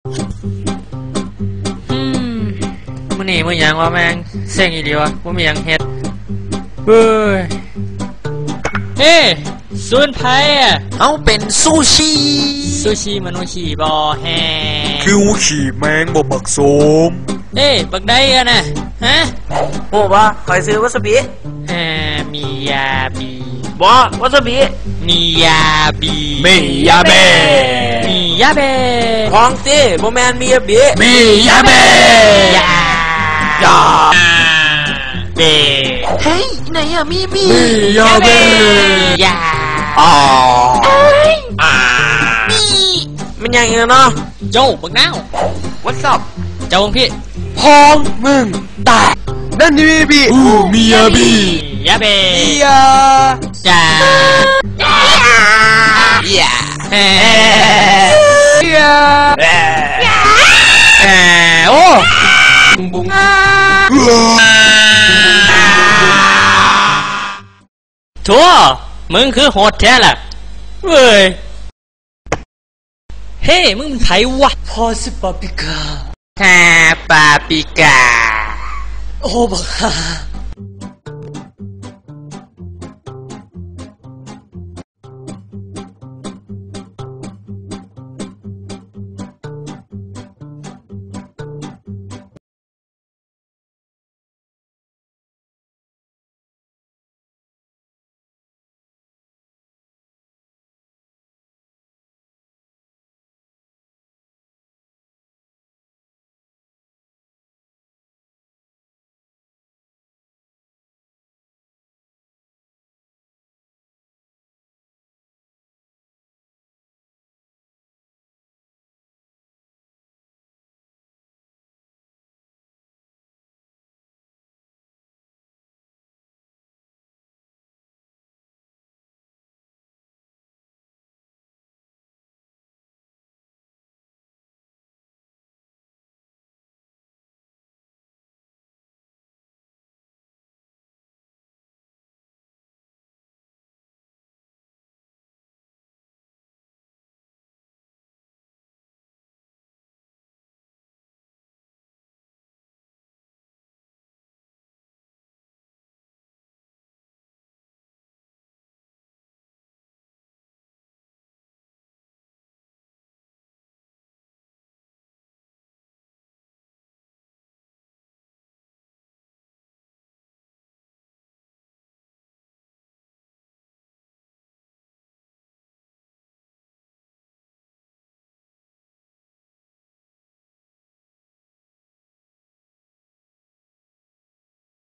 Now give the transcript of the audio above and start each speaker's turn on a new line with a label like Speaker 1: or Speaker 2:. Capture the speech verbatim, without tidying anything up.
Speaker 1: อืมมื้อนี้มื้อหยังวะแม่งเซ็งอีหลีวะบ่มีหยังเฮ็ดเฮ้ยเฮ้ศูนย์ไผอ่ะ
Speaker 2: เอาเป็นซูชิ
Speaker 1: ซูชิมนุษย์ขี่บ่แฮ
Speaker 2: คิวขี่แมงบ่บักโสม
Speaker 1: เอ้บักได้กันนะฮะ
Speaker 3: โอ้บ่คอยซื้อวาซาบิ
Speaker 1: เอ่อมียาบี
Speaker 3: บ่วาซาบิ
Speaker 1: มียาบี
Speaker 2: มียาเบ
Speaker 1: มียาเบ
Speaker 3: ของตีบ่แมนมียาบิ
Speaker 2: มียาเบ
Speaker 1: ยายาเบ
Speaker 2: เฮ้ยไหนอะมีมีมียาเบ
Speaker 1: ยา
Speaker 2: อ๋อ
Speaker 3: อ่ามีมันยังไงเนาะ
Speaker 1: โจ้บักน้าว
Speaker 3: What's up
Speaker 1: เจ้าพี่
Speaker 2: พองมึงตายนั่นนี่มีบีอู้มียาบี
Speaker 1: ยาเบ
Speaker 2: ยา
Speaker 1: จา
Speaker 2: ย่า
Speaker 1: เฮ้
Speaker 2: ยา
Speaker 1: เออโอ้
Speaker 2: บุ้งบุ้ง
Speaker 1: ทัวมึงคือโหดแท้ล่ะเว้ยเฮ้มึงเป็นไผวะ
Speaker 2: พอสิปาปิกา
Speaker 1: ฮาปาปิกา
Speaker 2: โอ้บักฮา